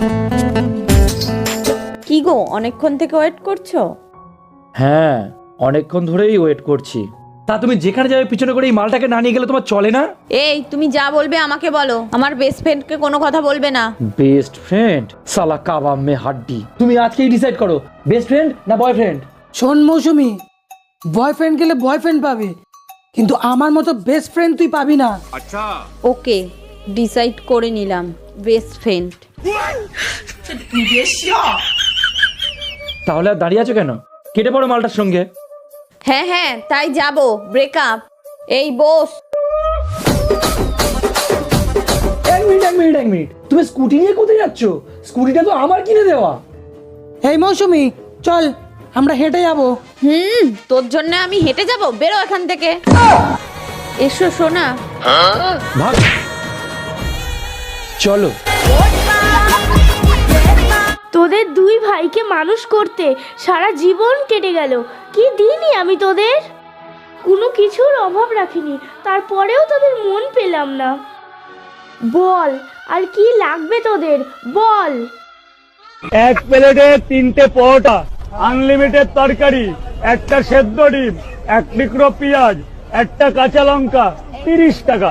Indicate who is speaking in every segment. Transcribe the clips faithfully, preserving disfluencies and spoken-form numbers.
Speaker 1: কি গো, অনেকক্ষণ থেকে ওয়েট করছো?
Speaker 2: হ্যাঁ, অনেকক্ষণ ধরেই ওয়েট করছি। তা তুমি যেখানে যাবে পিছনে করে এই মালটাকে না নিয়ে গেলে তোমার চলে না?
Speaker 1: এই, তুমি যা বলবে আমাকে বলো, আমার বেস্ট ফ্রেন্ডকে কোনো কথা বলবে না।
Speaker 2: Best friend? সালা কাবাব মে হাড্ডি। তুমি আজকেই ডিসাইড করো, বেস্ট ফ্রেন্ড না বয়ফ্রেন্ড।
Speaker 3: শোন মৌসুমি, বয়ফ্রেন্ড গেলে বয়ফ্রেন্ড পাবে, কিন্তু আমার মতো বেস্ট ফ্রেন্ড তুই পাবি না।
Speaker 4: আচ্ছা,
Speaker 1: ওকে, ডিসাইড করে নিলাম, বেস্ট ফ্রেন্ড।
Speaker 2: তাহলে আর দাঁড়িয়ে আছো কেন? কেটে পড়ো মালটার সঙ্গে।
Speaker 1: হ্যাঁ হ্যাঁ, তাই যাবো। ব্রেকআপ। এই বস।
Speaker 2: এক মিনিট এক মিনিট এক মিনিট তুমি স্কুটি নিয়ে কোথায় যাচ্ছ? স্কুটিটা তো আমার কিনে দেওয়া।
Speaker 3: এই মৌসুমি, চল আমরা হেঁটে যাবো।
Speaker 1: হুম, তোর জন্য আমি হেঁটে যাব? বেরো এখান থেকে। এসো সোনা।
Speaker 2: ভাগ, চলো।
Speaker 5: তোদের দুই ভাইকে মানুষ করতে সারা জীবন কেটে গেল, কি দিনই আমি তোদের কোনো কিছুর অভাব রাখিনি, তারপরেও তোদের মন পেলাম না। বল, আর কি লাগবে তোদের, বল।
Speaker 6: এক প্লেটে তিনটে পরোটা, আনলিমিটেড তরকারি, একটা সেদ্ধ ডিম, এক টুকরো পেঁয়াজ, একটা কাঁচা লঙ্কা, তিরিশ টাকা।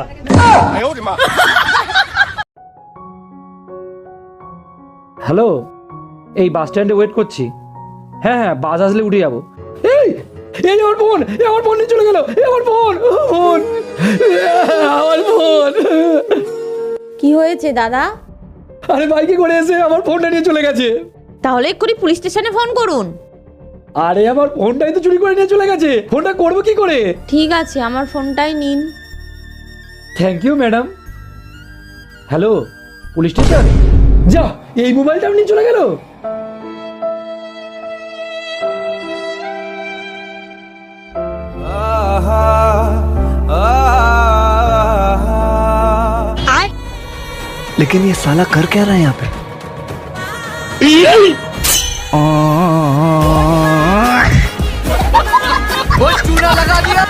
Speaker 2: হ্যালো, এই বাস স্ট্যান্ডে ওয়েট করছি। হ্যাঁ হ্যাঁ, বাস আসলে উঠে যাবো। এই এই আমার ফোন, আমার ফোন নিয়ে চলে গেল। আমার ফোন, ফোন, আমার ফোন।
Speaker 1: কি হয়েছে দাদা?
Speaker 2: আরে বাইকে করে এসে আমার ফোনটা নিয়ে চলে গেছে।
Speaker 1: তাহলে এক্ষুনি পুলিশ স্টেশনে ফোন করুন।
Speaker 2: আরে আমার ফোনটাই তো চুরি করে নিয়ে চলে গেছে, ফোনটা করবো কি করে?
Speaker 1: ঠিক আছে, আমার ফোনটাই নিন।
Speaker 2: Thank you madam. Hello, police station? যা, এই মোবাইলটা নিয়ে চলে গেল।
Speaker 7: लेकिन ये साला कर क्या रहा है यहाँ पे? वो चूना लगा दिया।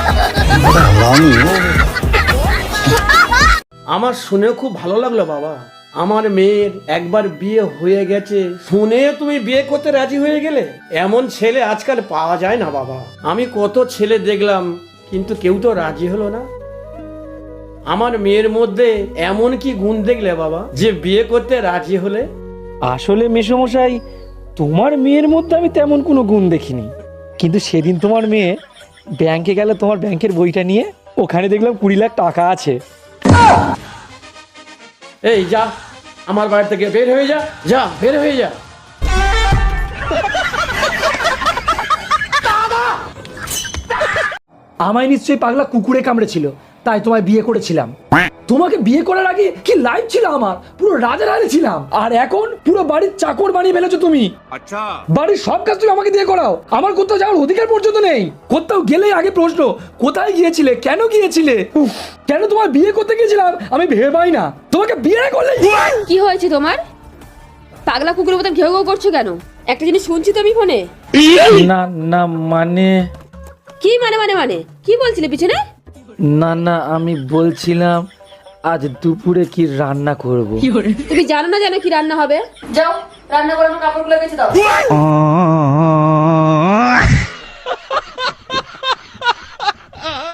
Speaker 8: আমার শুনে খুব ভালো লাগলো বাবা। আমার মেয়ের একবার বিয়ে হয়ে গেছে শুনে তুমি বিয়ে করতে রাজি হয়ে গেলে। এমন ছেলে আজকাল পাওয়া যায় না বাবা। আমি কত ছেলে দেখলাম, কিন্তু কেউ তো রাজি হলো না। আমার মেয়ের মধ্যে এমন কি গুণ দেখলে বাবা যে বিয়ে করতে রাজি হলে?
Speaker 2: আসলে মেসোমশাই, তোমার মেয়ের মধ্যে আমি তেমন কোনো গুণ দেখিনি, কিন্তু সেদিন তোমার মেয়ে ব্যাংকে গেল তোমার ব্যাংকের বইটা নিয়ে, ওখানে দেখলাম কুড়ি লাখ টাকা আছে।
Speaker 8: এই যা, আমার বাড়ি থেকে বের হয়ে যা, যা বের হয়ে যা।
Speaker 2: আমায় নিশ্চয়ই পাগলা কুকুরে কামড়েছিল, তাই তোমায় বিয়ে করেছিলাম। তোমাকে বিয়ে করার আগে কি লাইফ ছিল আমার, পুরো রাজা রানী ছিলাম। আর এখন পুরো বাড়ির চাকর বানিয়ে ফেলেছো তুমি।
Speaker 4: আচ্ছা,
Speaker 2: বাড়ির সব কাজ তুমি আমাকে দিয়ে করাও, আমার কোথাও যাওয়ার অধিকার পর্যন্ত নেই। কোথাও গেলেই আগে প্রশ্ন, কোথায় গিয়েছিলে, কেন গিয়েছিলে? উফ, কেন তোমার বিয়ে করতে গিয়েছিলাম আমি ভেবে পাই না। তোমাকে বিয়ে করলে
Speaker 9: কি হয়েছে তোমার? পাগলা কুকুরের মতন ঘেউ ঘেউ করছো কেন? একটা জিনিস শুনছি তো আমি ফোনে।
Speaker 2: না না, মানে
Speaker 9: কি মানে মানে মানে কি বলছিলে পিছনে?
Speaker 2: না না, আমি বলছিলাম আজ দুপুরে কি রান্না করব।
Speaker 9: তুমি জানো না জানো কি রান্না হবে? যাও রান্না করে আমার কাপড়গুলো বেঁচে দাও।